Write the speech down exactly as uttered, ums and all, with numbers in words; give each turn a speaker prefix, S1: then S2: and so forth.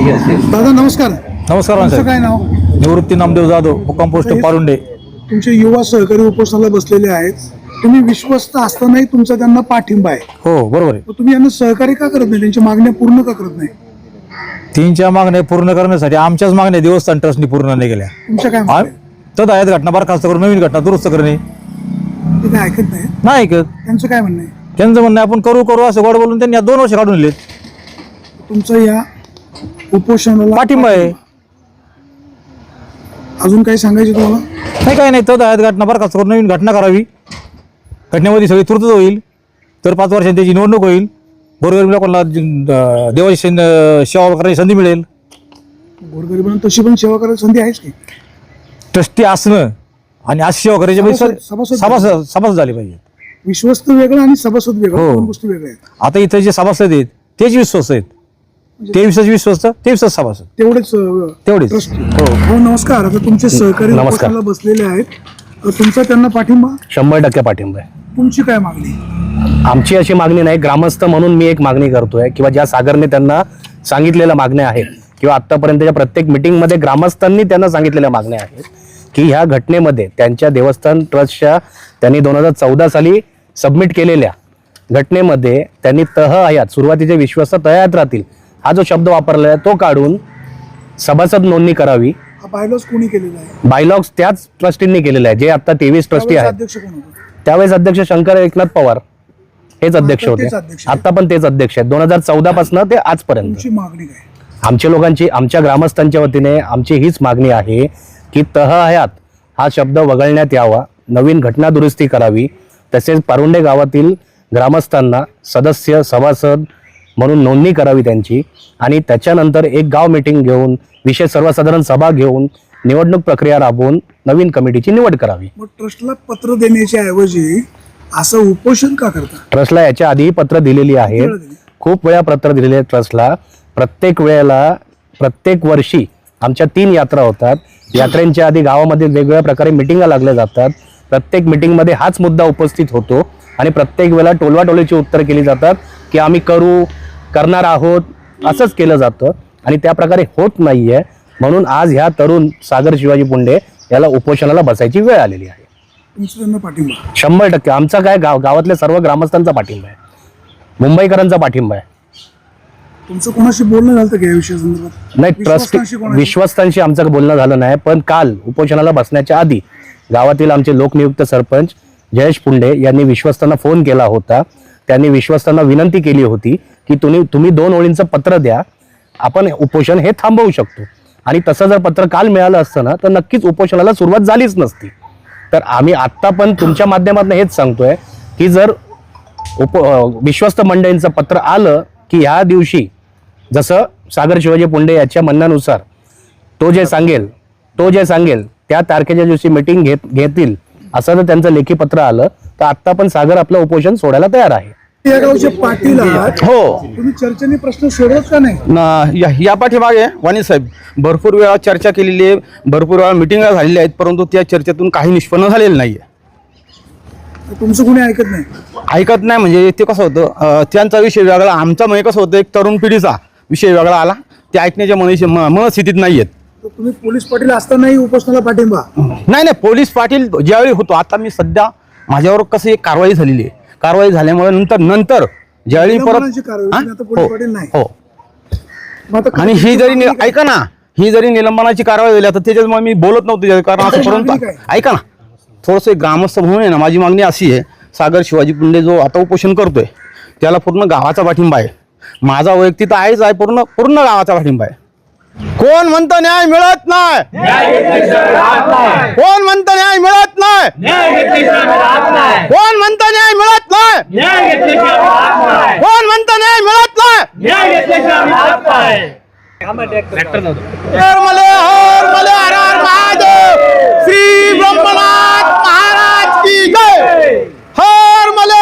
S1: दादा नमस्कार.
S2: नमस्कार
S1: तुमचं
S2: साहेब.
S1: काय नाव?
S2: निवृत्ती नामदेव जाधव, मुक्काम पोस्ट पारुंडे.
S1: तुमचे युवा सहकारी उपोषणाला बसलेले आहेत. तुम्ही विश्वस्त असतानाही तुमचा त्यांना पाठिंबा आहे.
S2: हो बरोबर आहे.
S1: मग तुम्ही यांना सहकार्य का करत नाही? त्यांच्या मागण्या पूर्ण का करत नाही?
S2: तीनच्या मागण्या पूर्ण करण्यासाठी आमच्याच मागण्या देवस्थान ट्रस्टनी पूर्ण नाही केल्या.
S1: तुमच्या काय
S2: आ-
S1: मागण्या?
S2: तर आहेत घटना बरखास्त करून नवीन घटना दुरुस्त करणे
S1: ते काय ऐकत नाही.
S2: नाही ऐकत.
S1: त्यांचं काय म्हणणं आहे?
S2: त्यांचं म्हणणं आहे, आपण करू करू असं गोड बोलून त्यांनी आता दोन वर्ष काढून दिलेत.
S1: तुमचं या उपोषणाला
S2: पाठिंबा आहे.
S1: अजून काही सांगायचं तुम्हाला?
S2: नाही काय नाही. तर आहेत घटना बरखास्त करून नवीन घटना करावी. घटनेमध्ये सगळी तुर्तच होईल. तर पाच वर्षांनी त्याची निवडणूक होईल. गोरगरीब लोकांना अं, देवाची सेन- सेवा करण्याची संधी मिळेल.
S1: गोरगरिबांना तशी पण सेवा करायची संधी आहेच की.
S2: ट्रस्टी असणं आणि आज सेवा करायची म्हणजे
S1: सभासद- सभासद-
S2: सभासद सभासद झाली पाहिजे.
S1: विश्वस्त वेगळं आणि सभासद वेगळं,
S2: हो.
S1: दोन गोष्टी वेगळ्या आहेत.
S2: आता इथे जे सभासद आहेत तेच विश्वस्त आहेत. ते विश्वास विश्वस्त ते विश्वास सभासद
S1: तेवढेच अं,
S2: तेवढेच.
S1: trust.
S2: हो.
S1: हो नमस्कार. आता तुमचे सहकारी
S3: नमस्कार.
S1: उपोषणाला बसलेले आहेत. अं, तुमचा त्यांना पाठिंबा?
S3: शंभर टक्के पाठिंबा आहे.
S1: तुमची काय मागणी?
S3: आमची अशी मागणी नाही, ग्रामस्थ म्हणून मी एक मागणी करतोय किंवा ज्या सागरने त्यांना सांगितलेल्या मागण्या आहेत किंवा आतापर्यंतच्या प्रत्येक मिटिंगमध्ये ग्रामस्थांनी त्यांना सांगितलेल्या मागण्या आहेत की ह्या घटनेमध्ये त्यांच्या देवस्थान ट्रस्टच्या त्यांनी दोन हजार चौदा साली सबमिट केलेल्या घटनेमध्ये त्यांनी तह हयात सुरुवातीचे विश्वास तहयात राहतील हा जो शब्द वापरलेला आहे तो काढून सभासद नोंदणी करावी.
S1: हा बायलॉज कोणी केलेला आहे?
S3: बायलॉग्स त्याच ट्रस्टींनी केलेला आहे जे आता तेवीस ट्रस्टी
S1: त्यावेळेस
S3: आहेत.
S1: अध्यक्ष कोण होते?
S3: त्यावेळेस अध्यक्ष शंकर एकनाथ पवार हेच अध्यक्ष
S1: आता
S3: होते.
S1: तेच अध्यक्ष आहेत.
S3: आता पण तेच अध्यक्ष आहेत दोन हजार चौदा पासून ते आजपर्यंत.
S1: तुमची मागणी काय?
S3: आमच्या लोकांची आमच्या ग्रामस्थांच्या वतीने आमची हीच मागणी आहे की तह हयात हा शब्द वगळण्यात यावा, नवीन घटना दुरुस्ती करावी, तसेच पारुंडे गावातील ग्रामस्थांना सदस्य सभासद म्हणून नोंदणी करावी त्यांची आणि त्याच्यानंतर एक गाव मीटिंग घेऊन विशेष सर्वसाधारण सभा घेऊन निवडणूक प्रक्रिया राबवून नवीन कमिटीची निवड करावी.
S1: मग ट्रस्टला पत्र देण्याच्या ऐवजी असं उपोषण का करता?
S3: ट्रस्टला याच्या आधी पत्र दिलेली आहेत,
S1: वेळा दिली?
S3: खूप वेळा पत्र दिलेले आहेत ट्रस्टला. प्रत्येक वेळेला प्रत्येक वर्षी आमच्या तीन यात्रा होतात. यात्रेंच्या आधी गावामध्ये वेगवेगळ्या प्रकारे मिटिंगा लागल्या जातात. प्रत्येक मिटिंगमध्ये हाच मुद्दा उपस्थित होतो आणि प्रत्येक वेळेला टोलवाटोलीची उत्तर केली जातात की आम्ही करू करणार आहोत असंच केलं जातं आणि त्या प्रकारे होत नाहीये. म्हणून आज ह्या तरुण सागर शिवाजी पुंडे याला उपोषणाला बसायची वेळ आलेली आहे.
S1: तुमचं त्यांना पाठिंबा?
S3: शंभर टक्के आमचा काय गाव गावातल्या सर्व ग्रामस्थांचा पाठिंबा आहे, मुंबईकरांचा पाठिंबा आहे.
S1: तुमचं कोणाशी बोलणं झालं का या विषयासंदर्भात?
S3: नाही, ट्रस्ट
S1: विश्वस्तांशी कोणाशी?
S3: विश्वस्तांशी आमचं बोलणं झालं नाही, पण काल उपोषणाला बसण्याच्या आधी गावातील आमचे लोकनियुक्त सरपंच जयेश पुंडे यांनी विश्वस्तांना फोन केला होता. त्यांनी विश्वस्तांना विनंती केली होती की तुम्ही तुम्ही दोन ओळींचं पत्र द्या, आपण उपोषण हे थांबवू शकतो. आणि तसं जर पत्र काल मिळालं असतं ना तर नक्कीच उपोषणाला सुरुवात झालीच नसती. तर आम्ही आत्ता पण तुमच्या माध्यमातून हेच सांगतोय की जर उप विश्वस्त मंडळींचं पत्र आलं की ह्या दिवशी जसं सागर शिवाजी पुंडे याच्या म्हणण्यानुसार तो जे सांगेल तो जे सांगेल त्या तारखेच्या दिवशी मिटिंग घेत घेतील असं जर त्यांचं लेखी पत्र आलं तर आत्ता पण सागर आपलं उपोषण सोडायला तयार आहे.
S1: या गावचे पाटील आहात.
S4: हो
S1: तुम्ही चर्चेने प्रश्न सोडवत का नाही?
S4: न- या या पाठीमागे वाणी साहेब भरपूर वेळा चर्चा केलेली आहे, भरपूर वेळा मिटिंगा झालेल्या आहेत, परंतु त्या चर्चेतून काही निष्पन्न झालेलं नाही आहे.
S1: तुमचं कोणी ऐकत नाही?
S4: ऐकत नाही म्हणजे ते कसं होतं, अं, त्यांचा विषय वेगळा, आमचा म्हणजे कसं होतं एक तरुण पिढीचा विषय वेगळा आला, ते ऐकण्याच्या मनस्थितीत मनस्थितीत नाही आहेत.
S1: तर तुम्ही पोलीस पाटील असतानाही उपोषणाला पाठिंबा?
S4: नाही नाही पोलीस पाटील ज्यावेळी होतो, आता मी सध्या माझ्यावर कसं एक कारवाई झालेली आहे, कारवाई झाल्यामुळे नंतर नंतर ज्यावेळी
S1: निलंबनाची
S4: परत
S1: कारवाई,
S4: हा?
S1: तुम्ही आता पोलीस पाटील नाही.
S4: हो
S1: मग आता
S4: आणि ही जरी नि- ऐका ना ही जरी निलंबनाची कारवाई झाली तर त्याच्यामुळे मी बोलत नव्हतो त्याच्या- कारण असं
S1: मागणी
S4: परंतु
S1: काय?
S4: ऐका ना थोडंसं एक ग्रामस्थ म्हणून आहे ना, माझी मागणी अशी आहे, सागर शिवाजी पुंडे जो आता उपोषण करतोय त्याला पूर्ण गावाचा पाठिंबा आहे. माझा वैयक्तिक तर आहेच आहे, पूर्ण पूर्ण गावाचा पाठिंबा आहे. कोण म्हणतं न्याय मिळत नाही? कोण म्हणतं न्याय मिळत नाही? कोण म्हणतं न्याय मिळत नाही? कोण म्हणतं न्याय मिळत नाही? हर मले हर मले हर हर महादेव, श्री ब्रह्मनाथ महाराज की जय. हर मले